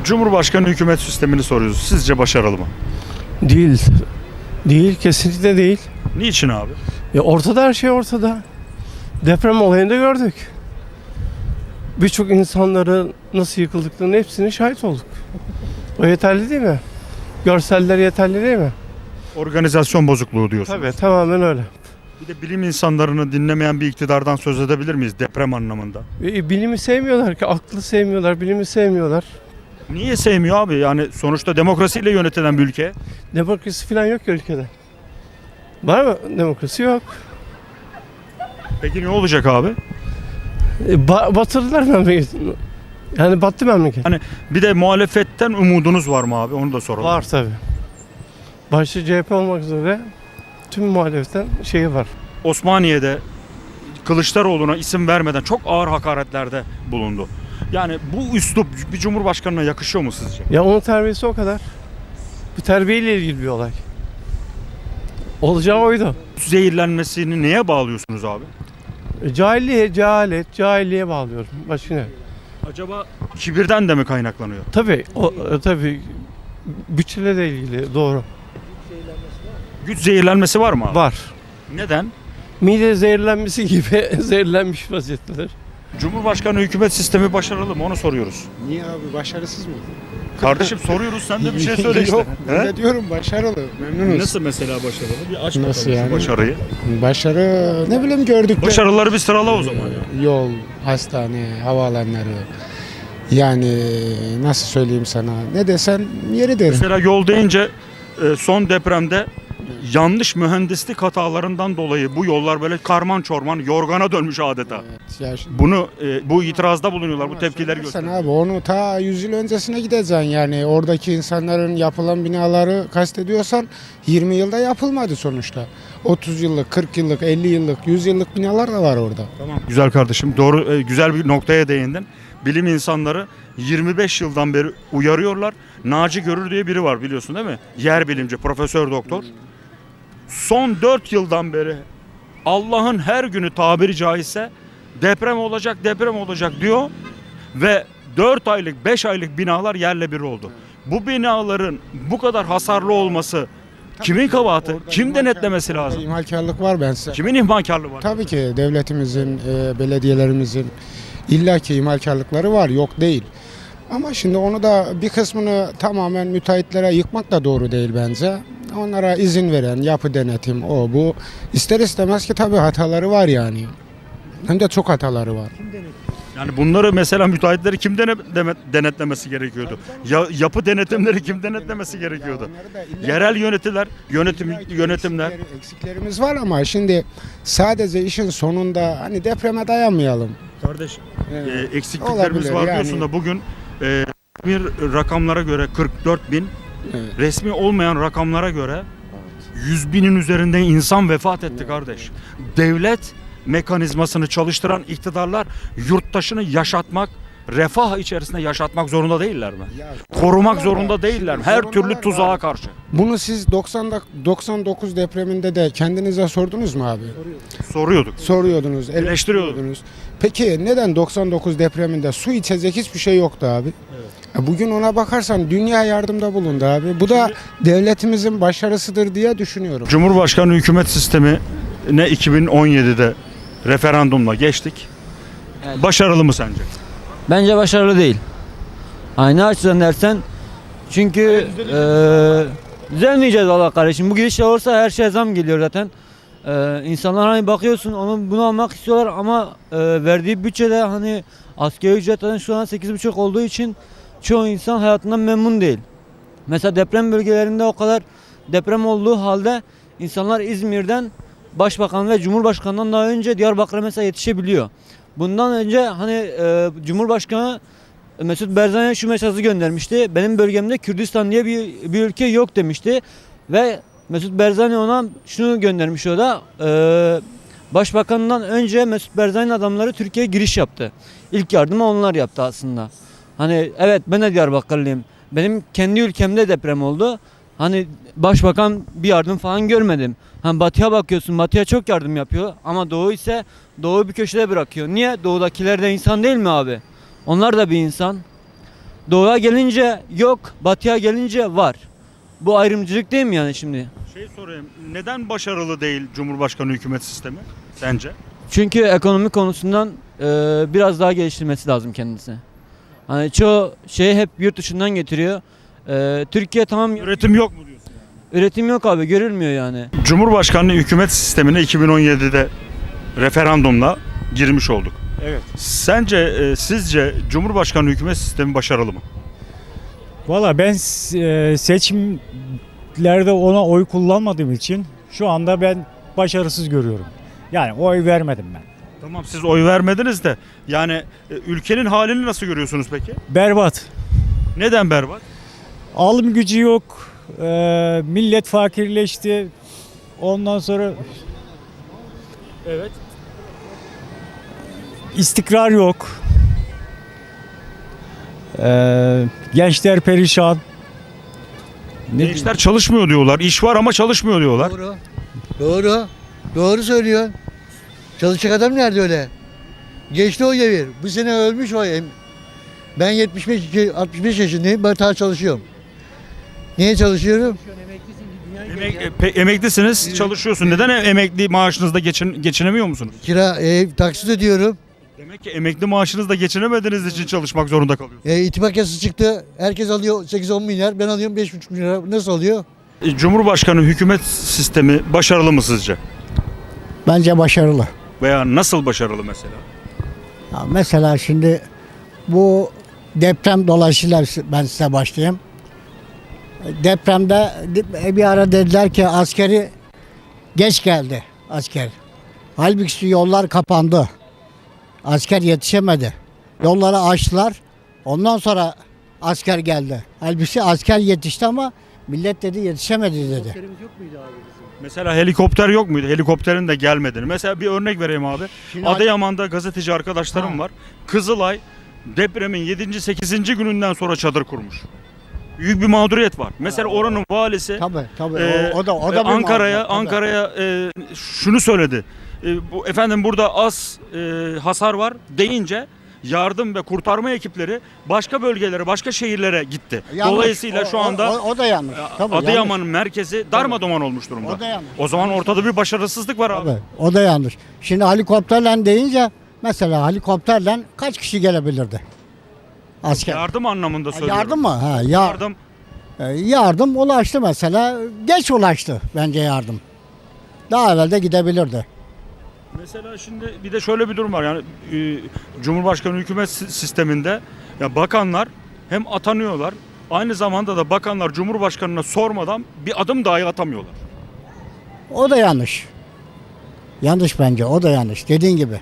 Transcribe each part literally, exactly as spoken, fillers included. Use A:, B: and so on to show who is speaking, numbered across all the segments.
A: Cumhurbaşkanı hükümet sistemini soruyoruz. Sizce başarılı mı?
B: Değil. Değil, kesinlikle değil.
A: Niçin abi?
B: Ya ortada, her şey ortada. Deprem olayında gördük. Birçok insanların nasıl yıkıldıklarının hepsine şahit olduk. O yeterli değil mi? Görseller yeterli değil mi?
A: Organizasyon bozukluğu diyorsunuz.
B: Tabii, tamamen öyle.
A: Bir de bilim insanlarını dinlemeyen bir iktidardan söz edebilir miyiz deprem anlamında?
B: E, bilimi sevmiyorlar ki, aklı sevmiyorlar, bilimi sevmiyorlar.
A: Niye sevmiyor abi? Yani sonuçta demokrasiyle yönetilen bir ülke.
B: Demokrasi falan yok ki ülkede. Var mı? Demokrasi yok.
A: Peki ne olacak abi?
B: E, ba- batırdılar memleketi. Yani battı memleket.
A: Hani bir de muhalefetten umudunuz var mı abi? Onu da soralım.
B: Var tabii. Başta C H P olmak üzere tüm muhalefetten şeyi var.
A: Osmaniye'de Kılıçdaroğlu'na isim vermeden çok ağır hakaretlerde bulundu. Yani bu üslup bir cumhurbaşkanına yakışıyor mu sizce?
B: Ya onun terbiyesi o kadar. Bu terbiyeyle ilgili bir olay. Olacağı oydu.
A: Zehirlenmesini neye bağlıyorsunuz abi?
B: E, cahilliğe, cehalet, cahilliğe bağlıyorum. Başka ne?
A: Acaba kibirden de mi kaynaklanıyor?
B: Tabii, o, e, tabii bütçeyle de ilgili, doğru.
A: Güç zehirlenmesi var mı abi?
B: Var.
A: Neden?
B: Mide zehirlenmesi gibi zehirlenmiş vaziyetteler.
A: Cumhurbaşkanı hükümet sistemi başarılı mı? Onu soruyoruz.
C: Niye abi, başarısız mı?
A: Kardeşim soruyoruz, sen de bir şey söyle işte.
C: Yok,
A: He?
C: öyle diyorum, başarılı, memnunuz.
A: Nasıl mesela başarılı? Bir aç
C: Nasıl
A: bakalım şu
C: yani?
A: başarıyı.
C: Başarı ne bileyim, gördük.
A: Başarıları bir sırala o zaman ya.
C: Yol, hastane, havaalanları. Yani nasıl söyleyeyim sana, ne desen yeridir.
A: Mesela yol deyince e, son depremde yanlış mühendislik hatalarından dolayı bu yollar böyle karman çorman yorgana dönmüş adeta.
C: Evet, ya şimdi-
A: Bunu e, bu itirazda bulunuyorlar, bu tepkileri
C: Sen
A: gösteriyorlar.
C: abi onu ta yüz yıl öncesine gideceksin, yani oradaki insanların yapılan binaları kastediyorsan yirmi yılda yapılmadı sonuçta. otuz yıllık, kırk yıllık, elli yıllık, yüz yıllık binalar da var orada.
A: Tamam. Güzel kardeşim, doğru, e, güzel bir noktaya değindin. Bilim insanları yirmi beş yıldan beri uyarıyorlar. Naci Görür diye biri var, biliyorsun değil mi? Yer bilimci, profesör doktor. Son dört yıldan beri Allah'ın her günü tabiri caizse deprem olacak, deprem olacak diyor ve dört aylık, beş aylık binalar yerle bir oldu. Bu binaların bu kadar hasarlı olması kimin kabahati?
C: Orada
A: Kim
C: imhalkar-
A: denetlemesi
C: orada
A: lazım?
C: İmhalkarlık var, ben size.
A: Kimin ihmalkarlığı var?
C: Tabii ki devletimizin, e, belediyelerimizin illaki imalkarlıkları var, yok değil. Ama şimdi onu da bir kısmını tamamen müteahhitlere yıkmak da doğru değil bence. Onlara izin veren yapı denetim, o bu. İster istemez ki tabii hataları var yani. Hem de çok hataları var.
A: Yani bunları mesela müteahhitleri kim dene- deme- denetlemesi gerekiyordu? Ya, yapı denetimleri kim denetlemesi gerekiyordu?
C: Onları da illa-
A: Yerel yönetiler, yönetim
C: illa ki
A: yönetimler.
C: eksikleri- eksiklerimiz var ama şimdi sadece işin sonunda hani depreme dayanmayalım.
A: Kardeş,
C: Evet.
A: e, eksikliklerimiz
C: Olabilir
A: var
C: yani.
A: diyorsun da bugün e, bir rakamlara göre kırk dört bin,
C: Evet.
A: resmi olmayan rakamlara göre yüz binin üzerinde insan vefat etti kardeş. Devlet mekanizmasını çalıştıran iktidarlar yurttaşını yaşatmak, refah içerisinde yaşatmak zorunda değiller mi?
C: Ya,
A: Korumak
C: zorundalar
A: zorunda
C: da,
A: değiller mi?
C: şimdi
A: Her
C: zorundalar
A: türlü tuzağa
C: abi.
A: karşı.
C: Bunu siz doksan doksan dokuz depreminde de kendinize sordunuz mu abi?
A: Soruyorduk.
C: Soruyordunuz,
A: Eleştiriyorduk.
C: eleştiriyordunuz. Peki neden doksan dokuz depreminde su içecek hiçbir şey yoktu abi? E Bugün ona bakarsan dünya yardımda bulundu abi. Bu da devletimizin başarısıdır diye düşünüyorum.
A: Cumhurbaşkanı hükümet sistemi ne iki bin on yedide referandumla geçtik.
D: Evet.
A: Başarılı mı sence?
D: Bence başarılı değil. Aynı açıdan dersen çünkü eee düzelmeyeceğiz valla kardeşim. Bu gidişle olursa her şeye zam geliyor zaten. Eee insanlar hani bakıyorsun onu bunu almak istiyorlar ama eee, verdiği bütçede hani asgari ücret zaten şu an sekiz buçuk olduğu için çoğu insan hayatından memnun değil. Mesela deprem bölgelerinde o kadar deprem olduğu halde insanlar İzmir'den Başbakan ve Cumhurbaşkanı'ndan daha önce Diyarbakır'a mesela yetişebiliyor. Bundan önce hani e, Cumhurbaşkanı Mesut Barzani'ye şu mesajı göndermişti. Benim bölgemde Kürdistan diye bir, bir ülke yok demişti. Ve Mesut Barzani ona şunu göndermiş o da. E, Başbakanından önce Mesut Barzani'nin adamları Türkiye'ye giriş yaptı. İlk yardımı onlar yaptı aslında. Hani evet ben de Diyarbakırlıyım. Benim kendi ülkemde deprem oldu. Hani başbakan bir yardım falan görmedim. Hani batıya bakıyorsun, batıya çok yardım yapıyor ama doğu ise doğu bir köşede bırakıyor. Niye? Doğudakiler de insan değil mi abi? Onlar da bir insan. Doğuya gelince yok, batıya gelince var. Bu ayrımcılık değil mi yani şimdi?
A: Şey sorayım. Neden başarılı değil Cumhurbaşkanı hükümet sistemi sence?
D: Çünkü ekonomi konusundan e, biraz daha geliştirmesi lazım kendisi. Hani çoğu şeyi hep yurt dışından getiriyor. E, Türkiye tamam
A: Üretim yok mu diyorsun?
D: üretim yok abi, görülmüyor yani.
A: Cumhurbaşkanlığı hükümet sistemine iki bin on yedide referandumla girmiş olduk.
E: Evet.
A: Sence, e, sizce Cumhurbaşkanlığı hükümet sistemi başarılı mı?
E: Valla ben e, seçimlerde ona oy kullanmadığım için şu anda ben başarısız görüyorum. Yani oy vermedim ben.
A: Tamam, siz oy vermediniz de yani e, ülkenin halini nasıl görüyorsunuz peki?
E: Berbat.
A: Neden berbat?
E: Alım gücü yok. E, millet fakirleşti. Ondan sonra
A: Evet.
E: istikrar yok. E, gençler perişan. Ne
A: Gençler çalışmıyor diyorlar. İş var ama çalışmıyor diyorlar.
F: Doğru. Doğru. Doğru söylüyor. Çalışacak adam nerede öyle? Geçti o devir. Bu sene ölmüş o. em- Ben yetmiş beş, altmış beş yaşındayım. Ben daha çalışıyorum. Niye çalışıyorum?
A: Emek, e, pe- emeklisiniz, çalışıyorsun. Neden e- emekli maaşınızda geçin, geçinemiyor musunuz?
F: Kira, ev, taksit ödüyorum.
A: Demek ki emekli maaşınızda geçinemediğiniz için çalışmak zorunda kalıyorsunuz.
F: E, itibak yasası çıktı. Herkes alıyor sekiz on milyar. Ben alıyorum beş buçuk milyar. Nasıl oluyor?
A: E, Cumhurbaşkanı hükümet sistemi başarılı mı sizce?
G: Bence başarılı.
A: Veya nasıl başarılı mesela?
G: Ya mesela şimdi bu deprem dolayısıyla ben size başlayayım. Depremde bir ara dediler ki askeri geç geldi asker. Halbuki yollar kapandı. Asker yetişemedi. Yolları açtılar. Ondan sonra asker geldi. Halbuki asker yetişti ama millet dedi yetişemedi dedi.
A: Mesela helikopter yok muydu? Helikopterin de gelmediğini. Mesela bir örnek vereyim abi.
G: Şimdi-
A: Adıyaman'da gazeteci arkadaşlarım
G: Ha.
A: var. Kızılay depremin yedinci sekizinci gününden sonra çadır kurmuş. Büyük bir mağduriyet var. Mesela oranın valisi
G: Tabii tabii.
A: e,
G: o, o da o
A: e,
G: da bir
A: Ankara'ya
G: mağdur, tabii.
A: Ankara'ya e, şunu söyledi. E, bu efendim burada az e, hasar var deyince yardım ve kurtarma ekipleri başka bölgelere, başka şehirlere gitti.
G: Yanlış.
A: Dolayısıyla
G: O-
A: şu anda
G: o, o, o da yanlış. Tabii,
A: Adıyaman'ın merkezi darmadağın olmuş durumda.
G: O da yanlış.
A: O zaman ortada bir başarısızlık var abi.
G: Tabii, o da yanlış. Şimdi helikopterle deyince mesela helikopterle kaç kişi gelebilirdi? Asker.
A: Yardım anlamında
G: Ha,
A: söylüyorum.
G: yardım mı? Ha, ya,
A: Yardım.
G: yardım. yardım ulaştı mesela. Geç ulaştı bence yardım. Daha evvel de gidebilirdi.
A: Mesela şimdi bir de şöyle bir durum var. Yani e, Cumhurbaşkanı hükümet si- sisteminde ya bakanlar hem atanıyorlar, aynı zamanda da bakanlar Cumhurbaşkanına sormadan bir adım dahi atamıyorlar.
G: O da yanlış. Yanlış bence. O da yanlış. Dediğin gibi.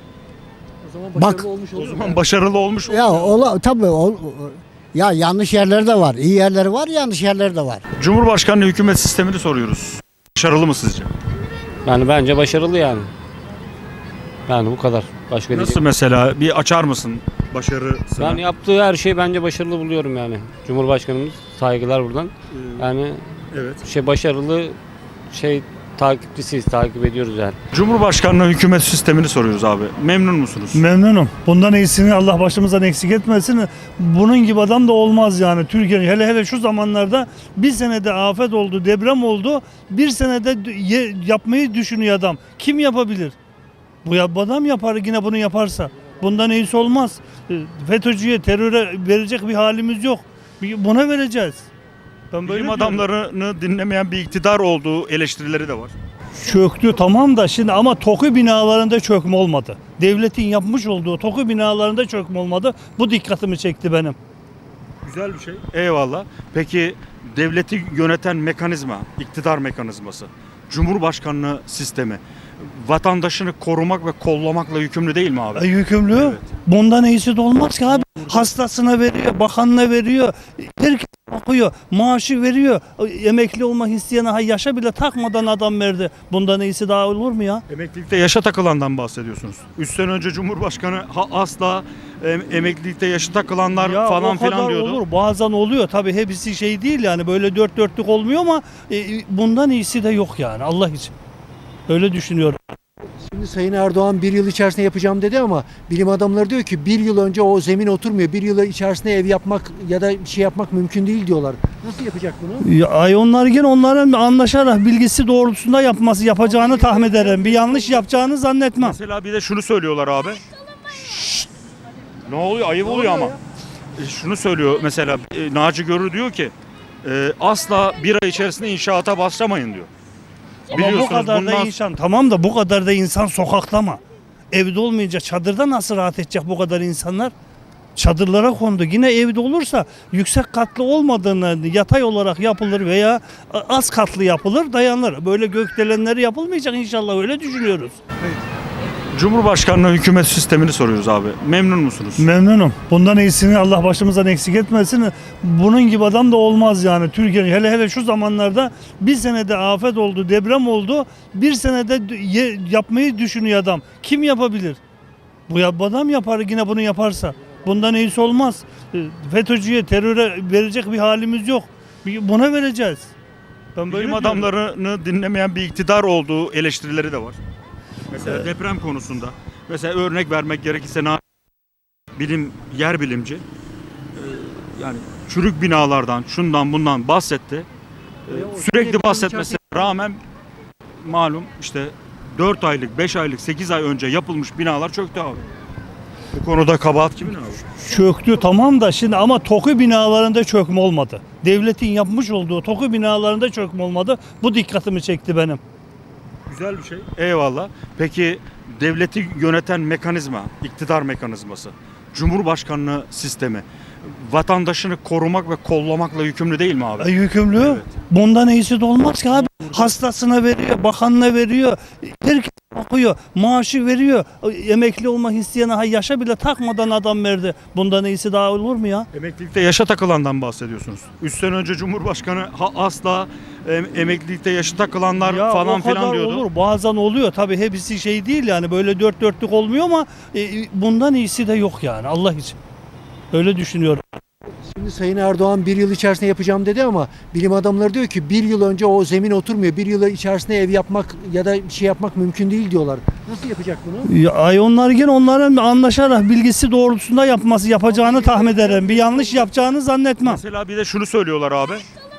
G: Bak.
A: O zaman başarılı olmuş
G: Ya ola, tabii o, o- ya yanlış yerleri de var. İyi yerleri var, yanlış yerleri de var.
A: Cumhurbaşkanlığı hükümet sistemini soruyoruz. Başarılı mı sizce?
H: Yani bence başarılı yani. Yani bu kadar. Başka
A: Nasıl
H: diyecek.
A: mesela? Bir açar mısın başarısını?
H: Ben yaptığı her şeyi bence başarılı buluyorum yani. Cumhurbaşkanımız, saygılar buradan. Yani
A: Evet.
H: şey başarılı şey takipçisiyiz, takip ediyoruz yani.
A: Cumhurbaşkanlığı hükümet sistemini soruyoruz abi. Memnun musunuz?
I: Memnunum. Bundan iyisini Allah başımızdan eksik etmesin. Bunun gibi adam da olmaz yani. Türkiye hele hele şu zamanlarda bir senede afet oldu, deprem oldu. Bir senede ye- yapmayı düşünüyor adam. Kim yapabilir? Bu ya- bu adam yapar yine bunu yaparsa. Bundan iyisi olmaz. E, FETÖ'cüye, teröre verecek bir halimiz yok. Bir- Buna vereceğiz. Ben böyle
A: Bilim
I: diyorum.
A: adamlarını dinlemeyen bir iktidar olduğu eleştirileri de var.
I: Çöktü tamam da şimdi ama TOKİ binalarında çökme olmadı. Devletin yapmış olduğu TOKİ binalarında çökme olmadı. Bu dikkatimi çekti benim.
A: Güzel bir şey. Eyvallah. Peki devleti yöneten mekanizma, iktidar mekanizması, Cumhurbaşkanlığı sistemi vatandaşını korumak ve kollamakla yükümlü değil mi abi?
I: E, yükümlü.
A: Evet.
I: Bundan iyisi de olmaz ki abi. Hastasına veriyor, bakanına veriyor. Herkes bakıyor, maaşı veriyor. Emekli olmak isteyene ha yaşa bile takmadan adam verdi. Bundan iyisi daha olur mu ya?
A: Emeklilikte yaşa takılandan bahsediyorsunuz. üç sene önce Cumhurbaşkanı ha, asla em, emeklilikte yaşı takılanlar
I: Ya
A: falan
I: o kadar
A: filan diyordu.
I: olur. Bazen oluyor. Tabii hepsi şey değil yani böyle dört dörtlük olmuyor ama e, bundan iyisi de yok yani Allah için. Öyle düşünüyorum.
J: Şimdi Sayın Erdoğan bir yıl içerisinde yapacağım dedi ama bilim adamları diyor ki bir yıl önce o zemin oturmuyor. Bir yıl içerisinde ev yapmak ya da bir şey yapmak mümkün değil diyorlar. Nasıl yapacak bunu?
I: Ya, ay onlar yine onların anlaşarak bilgisi doğrultusunda yapması yapacağını tahmin ederim. Bir yanlış yapacağını zannetmem.
A: Mesela bir de şunu söylüyorlar abi. Ne oluyor? Ayıp oluyor ama. E, Şunu söylüyor mesela e, Naci Görür diyor ki e, asla bir ay içerisinde inşaata başlamayın diyor.
I: Ama bu
A: Biliyorsunuz
I: kadar da
A: bundan-
I: insan, tamam da bu kadar da insan sokakta mı? Evde olmayınca çadırda nasıl rahat edecek bu kadar insanlar? Çadırlara kondu. Yine evde olursa yüksek katlı olmadığını yatay olarak yapılır veya az katlı yapılır, dayanır. Böyle gökdelenleri yapılmayacak inşallah, öyle düşünüyoruz.
A: Cumhurbaşkanlığı hükümet sistemini soruyoruz abi. Memnun musunuz?
I: Memnunum. Bundan iyisini Allah başımızdan eksik etmesin. Bunun gibi adam da olmaz yani. Türkiye hele hele şu zamanlarda bir senede afet oldu, deprem oldu. Bir senede ye- yapmayı düşünüyor adam. Kim yapabilir? Bu yap- adam yapar yine bunu yaparsa. Bundan iyisi olmaz. E, FETÖ'cüye, teröre verecek bir halimiz yok. Bir- Buna vereceğiz. Ben böyle
A: Bilim
I: diyorum.
A: adamlarını dinlemeyen bir iktidar olduğu eleştirileri de var. Mesela deprem konusunda. Mesela örnek vermek gerekirse Na- bilim yer bilimci e, yani çürük binalardan, şundan bundan bahsetti. E, sürekli bahsetmesine rağmen malum işte dört aylık, beş aylık, sekiz ay önce yapılmış binalar çöktü abi. Bu konuda kabahat kimin abi?
I: Çöktü tamam da şimdi ama TOKİ binalarında çökme olmadı. Devletin yapmış olduğu TOKİ binalarında çökme olmadı. Bu dikkatimi çekti benim.
A: Güzel bir şey. Eyvallah. Peki devleti yöneten mekanizma, iktidar mekanizması, Cumhurbaşkanlığı sistemi vatandaşını korumak ve kollamakla yükümlü değil mi abi?
I: E, yükümlü.
A: Evet.
I: Bundan iyisi de olmaz ki abi. Hastasına veriyor, bakanına veriyor, herkes bakıyor, maaşı veriyor. Emekli olmak isteyene ha yaşa bile takmadan adam verdi. Bundan iyisi daha olur mu ya?
A: Emeklilikte yaşa takılandan bahsediyorsunuz. üç sene önce Cumhurbaşkanı ha, asla em, emeklilikte yaşı takılanlar
I: Ya
A: falan
I: o kadar
A: filan diyordu.
I: olur. Bazen oluyor. Tabii hepsi şey değil yani böyle dört dörtlük olmuyor ama e, bundan iyisi de yok yani Allah için. Öyle düşünüyorum.
J: Şimdi Sayın Erdoğan bir yıl içerisinde yapacağım dedi ama bilim adamları diyor ki bir yıl önce o zemin oturmuyor. Bir yıl içerisinde ev yapmak ya da bir şey yapmak mümkün değil diyorlar. Nasıl yapacak bunu?
I: Ya, ay onlar yine onların anlaşarak bilgisi doğrultusunda yapması yapacağını tahmin ederim. Bir yanlış yapacağını zannetmem.
A: Mesela bir de şunu söylüyorlar abi.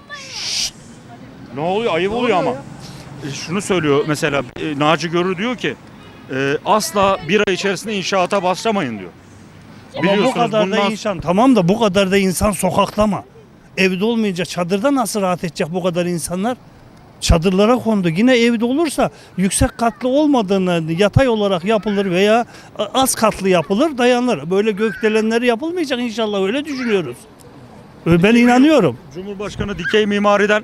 A: Ne oluyor? Ayıp oluyor ama. E, Şunu söylüyor mesela e, Naci Görür diyor ki e, asla bir ay içerisinde inşaata başlamayın diyor.
I: Ama bu
A: Biliyorsunuz
I: kadar da
A: bundan-
I: insan, tamam da bu kadar da insan sokakta mı? Evde olmayınca çadırda nasıl rahat edecek bu kadar insanlar? Çadırlara kondu. Yine evde olursa yüksek katlı olmadığını yatay olarak yapılır veya az katlı yapılır, dayanır. Böyle gökdelenleri yapılmayacak inşallah, öyle düşünüyoruz. Ben inanıyorum.
A: Cumhurbaşkanı dikey mimariden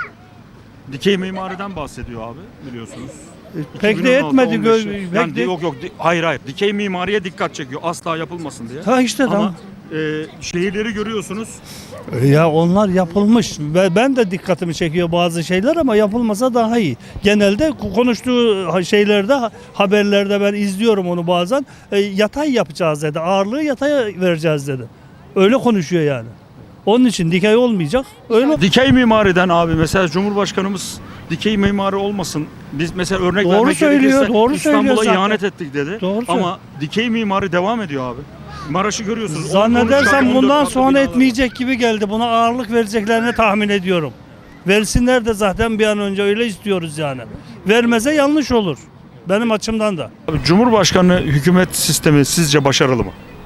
A: dikey mimariden bahsediyor abi biliyorsunuz.
I: Pek de etmedi.
A: iki bin on altı,
I: gö-
A: on beş
I: pek
A: Yani
I: de-
A: yok yok di- hayır hayır dikey mimariye dikkat çekiyor asla yapılmasın diye.
I: Ha işte
A: Ama
I: tamam.
A: e, şehirleri görüyorsunuz.
I: Ya onlar yapılmış ve ben de dikkatimi çekiyor bazı şeyler ama yapılmasa daha iyi. Genelde konuştuğu şeylerde, haberlerde ben izliyorum onu bazen. E, yatay yapacağız dedi. Ağırlığı yataya vereceğiz dedi. Öyle konuşuyor yani. Onun için dikey olmayacak. Öyle.
A: Dikey mimariden abi mesela Cumhurbaşkanımız dikey mimari olmasın. Biz mesela örnek
I: Doğru
A: vermek
I: söylüyor,
A: gerekirse
I: doğru söylüyor
A: İstanbul'a
I: zaten.
A: ihanet ettik dedi.
I: Doğru
A: Ama dikey mimari devam ediyor abi. Maraş'ı görüyorsunuz. on, on üç
I: Zannedersem
A: katlı, on dört
I: bundan
A: katlı
I: sonra
A: binalar.
I: etmeyecek gibi geldi. Buna ağırlık vereceklerini tahmin ediyorum. Versinler de zaten bir an önce, öyle istiyoruz yani. Vermese yanlış olur. Benim açımdan da.
A: Abi, Cumhurbaşkanlığı hükümet sistemi sizce başarılı mı?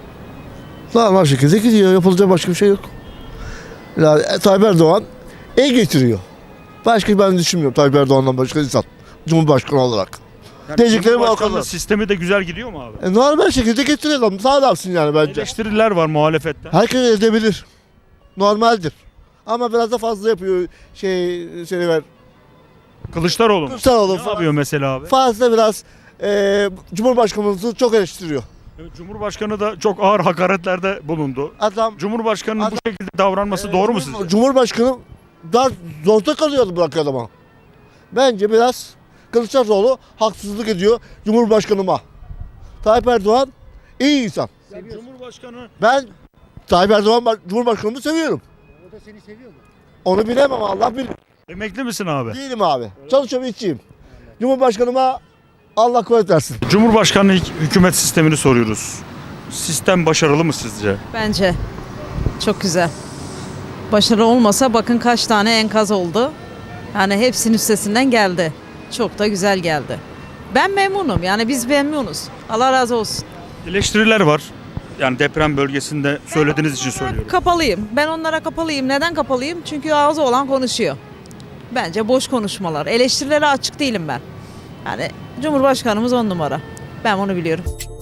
K: Normal şekilde gidiyor. Yapılacak başka bir şey yok. Yani Tayyip Erdoğan el getiriyor. Başka ben düşünmüyorum Tayyip Erdoğan'dan başka insan. Cumhurbaşkanı olarak.
A: Yani
K: Diyeceklerim o
A: Cumhurbaşkanlığı
K: kadar.
A: sistemi de güzel gidiyor mu abi?
K: E, normal şekilde getiriyor adam. Sağ adamsın yani bence.
A: Eleştiriler var muhalefetten.
K: Herkes edebilir. Normaldir. Ama biraz da fazla yapıyor şey şey ver.
A: Kılıçdaroğlu mu?
K: Kılıçdaroğlu
A: Ne yapıyor mesela abi?
K: Fazla biraz e, Cumhurbaşkanımızı çok eleştiriyor.
A: Evet, Cumhurbaşkanı da çok ağır hakaretlerde bulundu.
K: Adam
A: Cumhurbaşkanının
K: Adam-
A: bu şekilde davranması doğru mu sizce?
K: Cumhurbaşkanı daha zorda kalıyordu bırakıyor adama. Bence biraz Kılıçdaroğlu haksızlık ediyor Cumhurbaşkanıma. Tayyip Erdoğan iyi insan.
A: Yani Cumhurbaşkanı
K: Ben Tayyip Erdoğan Cumhurbaşkanımı seviyorum.
J: O da seni seviyor mu?
K: Onu bilemem Allah bilir.
A: emekli misin abi?
K: Değilim abi. Çalışıyorum işçiyim. Cumhurbaşkanıma Allah kuvvet versin.
A: Cumhurbaşkanlığı hük- hükümet sistemini soruyoruz. Sistem başarılı mı sizce?
L: Bence çok güzel. Başarı olmasa bakın kaç tane enkaz oldu. Yani hepsinin üstesinden geldi. Çok da güzel geldi. Ben memnunum. Yani biz memnunuz. Allah razı olsun.
A: Eleştiriler var. Yani deprem bölgesinde söylediğiniz için söylüyorum.
L: Kapalıyım. Ben onlara kapalıyım. Neden kapalıyım? Çünkü ağzı olan konuşuyor. Bence boş konuşmalar. Eleştirilere açık değilim ben. Yani Cumhurbaşkanımız on numara. Ben onu biliyorum.